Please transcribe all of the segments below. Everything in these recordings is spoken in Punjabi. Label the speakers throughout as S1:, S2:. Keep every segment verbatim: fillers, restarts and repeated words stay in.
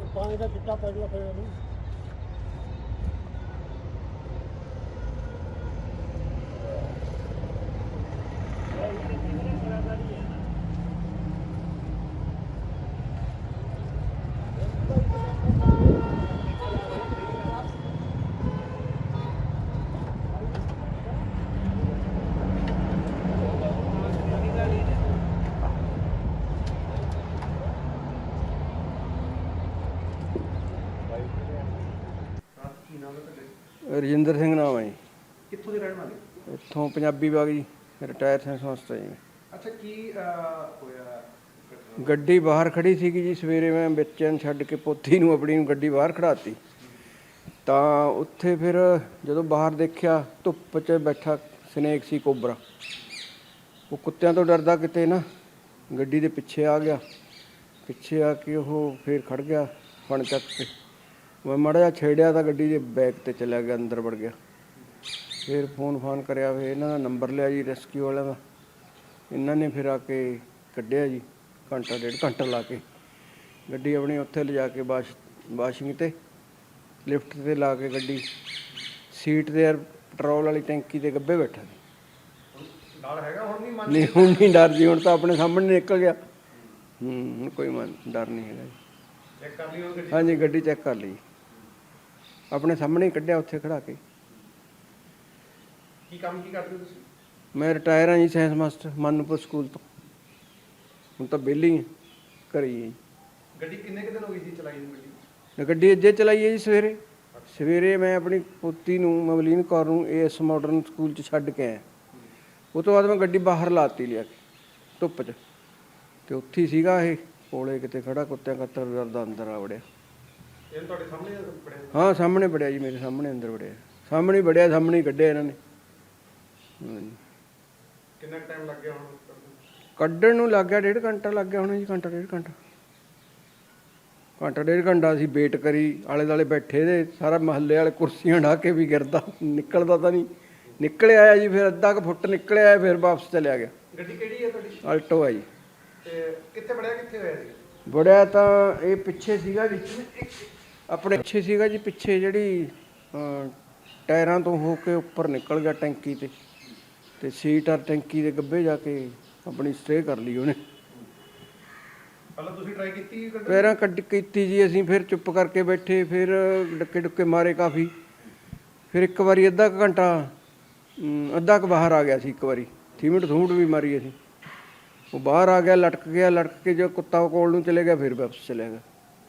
S1: ਪਾਣੀ ਦਾ ਚਿੱਟਾ ਪੈ ਗਿਆ ਫਿਰ ਇਹਨੂੰ।
S2: ਰਜਿੰਦਰ ਸਿੰਘ ਨਾਮ ਹੈ ਜੀ।
S3: ਕਿੱਥੋਂ ਦੇ ਰਹਿਣ ਵਾਲੇ?
S2: ਇੱਥੋਂ ਪੰਜਾਬੀ ਬਾਗ ਜੀ, ਰਿਟਾਇਰ ਸਾਇੰਸ ਸੰਸਥਾ ਜੀ।
S3: ਅੱਛਾ, ਕੀ ਹੋਇਆ?
S2: ਗੱਡੀ ਬਾਹਰ ਖੜੀ ਸੀਗੀ ਜੀ। ਸਵੇਰੇ ਮੈਂ ਬੱਚਿਆਂ ਨੂੰ ਛੱਡ ਕੇ ਪੋਤੀ ਨੂੰ ਆਪਣੀ ਨੂੰ ਗੱਡੀ ਬਾਹਰ ਖੜਾਤੀ, ਤਾਂ ਉੱਥੇ ਫਿਰ ਜਦੋਂ ਬਾਹਰ ਦੇਖਿਆ ਧੁੱਪ 'ਚ ਬੈਠਾ ਸਨੇਕ ਸੀ, ਕੋਬਰਾ। ਉਹ ਕੁੱਤਿਆਂ ਤੋਂ ਡਰਦਾ ਕਿਤੇ ਨਾ ਗੱਡੀ ਦੇ ਪਿੱਛੇ ਆ ਗਿਆ। ਪਿੱਛੇ ਆ ਕੇ ਉਹ ਫਿਰ ਖੜ ਗਿਆ ਫਣ ਚੱਕ ਕੇ। ਮੈਂ ਮਾੜਾ ਜਿਹਾ ਛੇੜਿਆ ਤਾਂ ਗੱਡੀ ਦੇ ਬੈਕ 'ਤੇ ਚਲਿਆ ਗਿਆ, ਅੰਦਰ ਵੜ ਗਿਆ। ਫਿਰ ਫੋਨ ਫਾਨ ਕਰਿਆ, ਫਿਰ ਇਹਨਾਂ ਦਾ ਨੰਬਰ ਲਿਆ ਜੀ ਰੈਸਕਿਊ ਵਾਲਿਆਂ ਦਾ। ਇਹਨਾਂ ਨੇ ਫਿਰ ਆ ਕੇ ਕੱਢਿਆ ਜੀ, ਘੰਟਾ ਡੇਢ ਘੰਟਾ ਲਾ ਕੇ ਗੱਡੀ ਆਪਣੀ ਉੱਥੇ ਲਿਜਾ ਕੇ ਵਾਸ਼ ਵਾਸ਼ਿੰਗ 'ਤੇ ਲਿਫਟ 'ਤੇ ਲਾ ਕੇ ਗੱਡੀ ਸੀਟ 'ਤੇ ਪੈਟਰੋਲ ਵਾਲੀ ਟੈਂਕੀ ਦੇ ਗੱਬੇ ਬੈਠਾ ਸੀ।
S3: ਡਰ ਹੈਗਾ ਹੁਣ? ਨਹੀਂ ਮਨ
S2: ਨਹੀਂ ਹੁਣ ਨਹੀਂ ਡਰ ਜੀ, ਹੁਣ ਤਾਂ ਆਪਣੇ ਸਾਹਮਣੇ ਨਿਕਲ ਗਿਆ। ਹੂੰ ਹੁਣ ਕੋਈ ਮਨ ਡਰ ਨਹੀਂ ਹੈਗਾ ਜੀ।
S3: ਚੈੱਕ ਕਰ ਲਈ ਉਹ ਗੱਡੀ?
S2: ਹਾਂਜੀ, ਗੱਡੀ ਚੈੱਕ ਕਰ ਲਈ, ਆਪਣੇ ਸਾਹਮਣੇ ਹੀ ਕੱਢਿਆ ਉੱਥੇ ਖੜਾ ਕੇ।
S3: ਕੀ ਕੰਮ ਕੀ ਕਰਦੇ ਹੋ ਤੁਸੀਂ?
S2: ਮੈਂ ਰਿਟਾਇਰ ਹਾਂ ਜੀ, ਸਾਇੰਸ ਮਾਸਟਰ, ਮਾਨੂਪੁਰ ਸਕੂਲ ਤੋਂ। ਹੁਣ ਤਾਂ ਵਿਹਲੀ ਹਾਂ, ਘਰੇ ਹੀ ਹਾਂ ਜੀ।
S3: ਗੱਡੀ ਕਿੰਨੇ ਕੁ ਦਿਨ ਹੋ ਗਈ ਸੀ ਚਲਾਈ ਨੂੰ? ਗੱਡੀ
S2: ਗੱਡੀ ਅੱਜੇ ਚਲਾਈ ਹੈ ਜੀ। ਸਵੇਰੇ ਸਵੇਰੇ ਮੈਂ ਆਪਣੀ ਪੋਤੀ ਨੂੰ ਮਵਲੀਨ ਕੌਰ ਨੂੰ ਏਐਸ ਮਾਡਰਨ ਸਕੂਲ 'ਚ ਛੱਡ ਕੇ ਆਇਆ। ਉਹ ਤੋਂ ਬਾਅਦ ਮੈਂ ਗੱਡੀ ਬਾਹਰ ਲਾਤੀ ਲਿਆ ਕੇ ਧੁੱਪ 'ਚ, ਅਤੇ ਉੱਥੇ ਹੀ ਸੀਗਾ ਇਹ ਕੋਲੇ ਕਿਤੇ ਖੜਾ, ਕੁੱਤਿਆਂ ਕੱਤਰ ਡਰਦਾ ਅੰਦਰ ਆ ਵੜਿਆ।
S3: ਇਹ ਤੁਹਾਡੇ ਸਾਹਮਣੇ ਬੜਿਆ?
S2: ਹਾਂ ਸਾਹਮਣੇ ਵੜਿਆ ਜੀ, ਮੇਰੇ ਸਾਹਮਣੇ ਅੰਦਰ ਵੜਿਆ, ਸਾਹਮਣੇ ਹੀ ਵੜਿਆ, ਸਾਹਮਣੇ ਹੀ ਕੱਢਿਆ ਇਹਨਾਂ ਨੇ। ਹਾਂਜੀ।
S3: ਕਿੰਨਾ ਟਾਈਮ ਲੱਗ ਗਿਆ ਹੁਣ
S2: ਕੱਢਣ ਨੂੰ ਲੱਗ ਗਿਆ? ਡੇਢ ਘੰਟਾ ਲੱਗ ਗਿਆ ਹੋਣਾ ਜੀ, ਘੰਟਾ ਡੇਢ ਘੰਟਾ ਘੰਟਾ ਡੇਢ ਘੰਟਾ ਅਸੀਂ ਵੇਟ ਕਰੀ। ਆਲੇ ਦੁਆਲੇ ਬੈਠੇ ਦੇ, ਸਾਰਾ ਮਹੱਲੇ ਵਾਲੇ ਕੁਰਸੀਆਂ ਢਾਹ ਕੇ ਵੀ ਗਿਰਦਾ, ਨਿਕਲਦਾ ਤਾਂ ਨਹੀਂ। ਨਿਕਲ ਆਇਆ ਜੀ, ਫਿਰ ਅੱਧਾ ਕੁ ਫੁੱਟ ਨਿਕਲਿਆ, ਫਿਰ ਵਾਪਸ ਚਲਿਆ ਗਿਆ।
S3: ਗੱਡੀ ਕਿਹੜੀ ਹੈ ਤੁਹਾਡੀ?
S2: ਆਲਟੋ ਹੈ ਜੀ।
S3: ਤੇ ਕਿੱਥੇ ਵੜਿਆ, ਕਿੱਥੇ ਹੋਇਆ ਸੀ?
S2: ਵੜਿਆ ਤਾਂ ਇਹ ਪਿੱਛੇ ਸੀਗਾ ਜੀ, ਆਪਣੇ ਪਿੱਛੇ ਸੀਗਾ ਜੀ, ਪਿੱਛੇ ਜਿਹੜੀ ਟਾਇਰਾਂ ਤੋਂ ਹੋ ਕੇ ਉੱਪਰ ਨਿਕਲ ਗਿਆ ਟੈਂਕੀ 'ਤੇ, ਅਤੇ ਸੀਟ ਔਰ ਟੈਂਕੀ ਦੇ ਗੱਬੇ ਜਾ ਕੇ ਆਪਣੀ ਸਟੇਅ ਕਰ ਲਈ ਉਹਨੇ।
S3: ਪਹਿਲਾਂ ਤੁਸੀਂ ਟਰਾਈ ਕੀਤੀ?
S2: ਪੈਰਾਂ ਕੱਢ ਕੀਤੀ ਜੀ ਅਸੀਂ, ਫਿਰ ਚੁੱਪ ਕਰਕੇ ਬੈਠੇ, ਫਿਰ ਡੱਕੇ ਡੁੱਕੇ ਮਾਰੇ ਕਾਫੀ। ਫਿਰ ਇੱਕ ਵਾਰੀ ਅੱਧਾ ਕੁ ਘੰਟਾ ਅੱਧਾ ਕੁ ਬਾਹਰ ਆ ਗਿਆ ਸੀ, ਇੱਕ ਵਾਰੀ ਥੀਮਟ ਥੂਮਟ ਵੀ ਮਾਰੀ ਅਸੀਂ। ਉਹ ਬਾਹਰ ਆ ਗਿਆ, ਲਟਕ ਗਿਆ, ਲਟਕ ਕੇ ਜੋ ਕੁੱਤਾ ਕੋਲ ਨੂੰ ਚਲੇ ਗਿਆ, ਫਿਰ ਵਾਪਸ ਚਲਿਆ ਗਿਆ।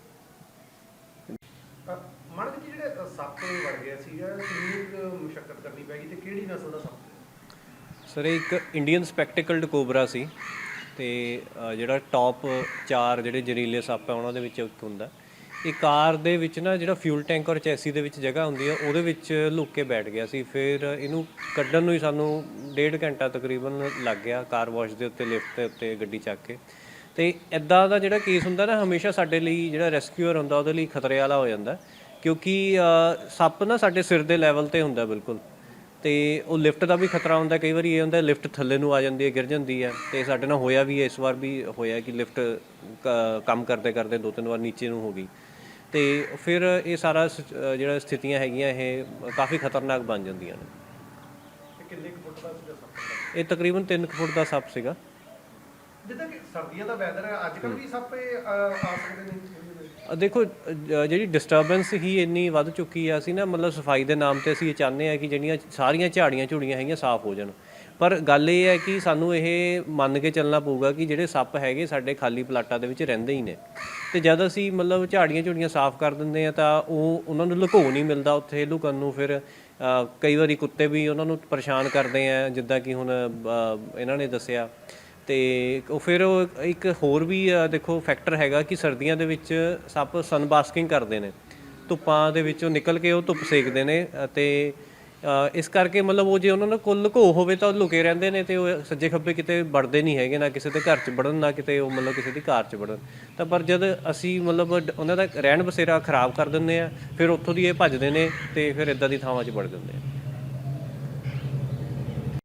S3: ਮਨ ਜੀ, ਜਿਹੜੇ ਸੱਪ ਵੜ ਗਿਆ ਸੀਗਾ, ਕਿੰਨੀ ਕੁ ਮੁਸ਼ੱਕਤ ਕਰਨੀ ਪੈ ਗਈ ਤੇ ਕਿਹੜੀ ਨਸਲ ਦਾ ਸੱਪ?
S4: ਸਰ ਇਹ ਇੱਕ ਇੰਡੀਅਨ ਸਪੈਕਟੀਕਲਡ ਕੋਬਰਾ ਸੀ, ਅਤੇ ਜਿਹੜਾ ਟੌਪ ਚਾਰ ਜਿਹੜੇ ਜ਼ਹਿਰੀਲੇ ਸੱਪ ਹੈ ਉਹਨਾਂ ਦੇ ਵਿੱਚ ਇੱਕ ਹੁੰਦਾ। ਇਹ ਕਾਰ ਦੇ ਵਿੱਚ ਨਾ ਜਿਹੜਾ ਫਿਊਲ ਟੈਂਕ ਔਰ ਚੈਸੀ ਦੇ ਵਿੱਚ ਜਗ੍ਹਾ ਹੁੰਦੀ ਹੈ, ਉਹਦੇ ਵਿੱਚ ਲੁੱਕ ਕੇ ਬੈਠ ਗਿਆ ਸੀ। ਫਿਰ ਇਹਨੂੰ ਕੱਢਣ ਨੂੰ ਹੀ ਸਾਨੂੰ ਡੇਢ ਘੰਟਾ ਤਕਰੀਬਨ ਲੱਗ ਗਿਆ, ਕਾਰ ਵਾਸ਼ ਦੇ ਉੱਤੇ, ਲਿਫਟ ਦੇ ਉੱਤੇ ਗੱਡੀ ਚੱਕ ਕੇ। ਅਤੇ ਇੱਦਾਂ ਦਾ ਜਿਹੜਾ ਕੇਸ ਹੁੰਦਾ ਨਾ, ਹਮੇਸ਼ਾ ਸਾਡੇ ਲਈ ਜਿਹੜਾ ਰੈਸਕਿਊਅਰ ਹੁੰਦਾ ਉਹਦੇ ਲਈ ਖਤਰੇ ਵਾਲਾ ਹੋ ਜਾਂਦਾ, ਕਿਉਂਕਿ ਸੱਪ ਨਾ ਸਾਡੇ ਸਿਰ ਦੇ ਲੈਵਲ 'ਤੇ ਹੁੰਦਾ ਬਿਲਕੁਲ, ਅਤੇ ਉਹ ਲਿਫਟ ਦਾ ਵੀ ਖਤਰਾ ਹੁੰਦਾ। ਕਈ ਵਾਰੀ ਇਹ ਹੁੰਦਾ ਲਿਫਟ ਥੱਲੇ ਨੂੰ ਆ ਜਾਂਦੀ ਹੈ, ਗਿਰ ਜਾਂਦੀ ਹੈ, ਅਤੇ ਸਾਡੇ ਨਾਲ ਹੋਇਆ ਵੀ ਹੈ, ਇਸ ਵਾਰ ਵੀ ਹੋਇਆ ਕਿ ਲਿਫਟ ਕ ਕੰਮ ਕਰਦੇ ਕਰਦੇ ਦੋ ਤਿੰਨ ਵਾਰ ਨੀਚੇ ਨੂੰ ਹੋ ਗਈ। ਅਤੇ ਫਿਰ ਇਹ ਸਾਰਾ ਜਿਹੜਾ ਸਥਿਤੀਆਂ ਹੈਗੀਆਂ ਇਹ ਕਾਫੀ ਖਤਰਨਾਕ ਬਣ ਜਾਂਦੀਆਂ ਨੇ।
S3: ਕਿੰਨੇ ਕੁ ਫੁੱਟ ਦਾ ਸੀਗਾ ਸੱਪ?
S4: ਇਹ ਤਕਰੀਬਨ ਤਿੰਨ ਕੁ ਫੁੱਟ ਦਾ ਸੱਪ ਸੀਗਾ।
S3: ਜਿੱਦਾਂ ਕਿ ਸਰਦੀਆਂ ਦਾ ਵੈਦਰ ਹੈ, ਅੱਜ ਕੱਲ੍ਹ ਵੀ ਸੱਪ ਆ ਸਕਦੇ ਨੇ?
S4: ਦੇਖੋ, ਜਿਹੜੀ ਡਿਸਟਰਬੈਂਸ ਹੀ ਇੰਨੀ ਵੱਧ ਚੁੱਕੀ ਆ, ਅਸੀਂ ਨਾ ਮਤਲਬ ਸਫਾਈ ਦੇ ਨਾਮ 'ਤੇ ਅਸੀਂ ਇਹ ਚਾਹੁੰਦੇ ਹਾਂ ਕਿ ਜਿਹੜੀਆਂ ਸਾਰੀਆਂ ਝਾੜੀਆਂ ਝੂੜੀਆਂ ਹੈਗੀਆਂ ਸਾਫ਼ ਹੋ ਜਾਣ, ਪਰ ਗੱਲ ਇਹ ਹੈ ਕਿ ਸਾਨੂੰ ਇਹ ਮੰਨ ਕੇ ਚੱਲਣਾ ਪਊਗਾ ਕਿ ਜਿਹੜੇ ਸੱਪ ਹੈਗੇ ਸਾਡੇ ਖਾਲੀ ਪਲਾਟਾਂ ਦੇ ਵਿੱਚ ਰਹਿੰਦੇ ਹੀ ਨੇ, ਅਤੇ ਜਦ ਅਸੀਂ ਮਤਲਬ ਝਾੜੀਆਂ ਝੂੜੀਆਂ ਸਾਫ਼ ਕਰ ਦਿੰਦੇ ਹਾਂ ਤਾਂ ਉਹ ਉਹਨਾਂ ਨੂੰ ਲੁਕੋ ਨਹੀਂ ਮਿਲਦਾ ਉੱਥੇ ਲੁਕਣ ਨੂੰ। ਫਿਰ ਕਈ ਵਾਰੀ ਕੁੱਤੇ ਵੀ ਉਹਨਾਂ ਨੂੰ ਪਰੇਸ਼ਾਨ ਕਰਦੇ ਆ, ਜਿੱਦਾਂ ਕਿ ਹੁਣ ਇਹਨਾਂ ਨੇ ਦੱਸਿਆ। ਅਤੇ ਉਹ ਫਿਰ ਉਹ ਇੱਕ ਹੋਰ ਵੀ ਦੇਖੋ ਫੈਕਟਰ ਹੈਗਾ ਕਿ ਸਰਦੀਆਂ ਦੇ ਵਿੱਚ ਸੱਪ ਸਨਬਾਸਕਿੰਗ ਕਰਦੇ ਨੇ, ਧੁੱਪਾਂ ਦੇ ਵਿੱਚੋਂ ਨਿਕਲ ਕੇ ਉਹ ਧੁੱਪ ਸੇਕਦੇ ਨੇ, ਅਤੇ ਇਸ ਕਰਕੇ ਮਤਲਬ ਉਹ ਜੇ ਉਹਨਾਂ ਨੂੰ ਕੋਲ ਲੁਕੋ ਹੋਵੇ ਤਾਂ ਉਹ ਲੁਕੇ ਰਹਿੰਦੇ ਨੇ, ਅਤੇ ਉਹ ਸੱਜੇ ਖੱਬੇ ਕਿਤੇ ਵੜਦੇ ਨਹੀਂ ਹੈਗੇ, ਨਾ ਕਿਸੇ ਦੇ ਘਰ 'ਚ ਵੜਨ, ਨਾ ਕਿਤੇ ਉਹ ਮਤਲਬ ਕਿਸੇ ਦੀ ਕਾਰ 'ਚ ਵੜਨ। ਤਾਂ ਪਰ ਜਦ ਅਸੀਂ ਮਤਲਬ ਉਹਨਾਂ ਦਾ ਰਹਿਣ ਬਸੇਰਾ ਖਰਾਬ ਕਰ ਦਿੰਦੇ ਹਾਂ, ਫਿਰ ਉੱਥੋਂ ਦੀ ਇਹ ਭੱਜਦੇ ਨੇ ਅਤੇ ਫਿਰ ਇੱਦਾਂ ਦੀ ਥਾਵਾਂ 'ਚ ਵੜ ਜਾਂਦੇ ਆ।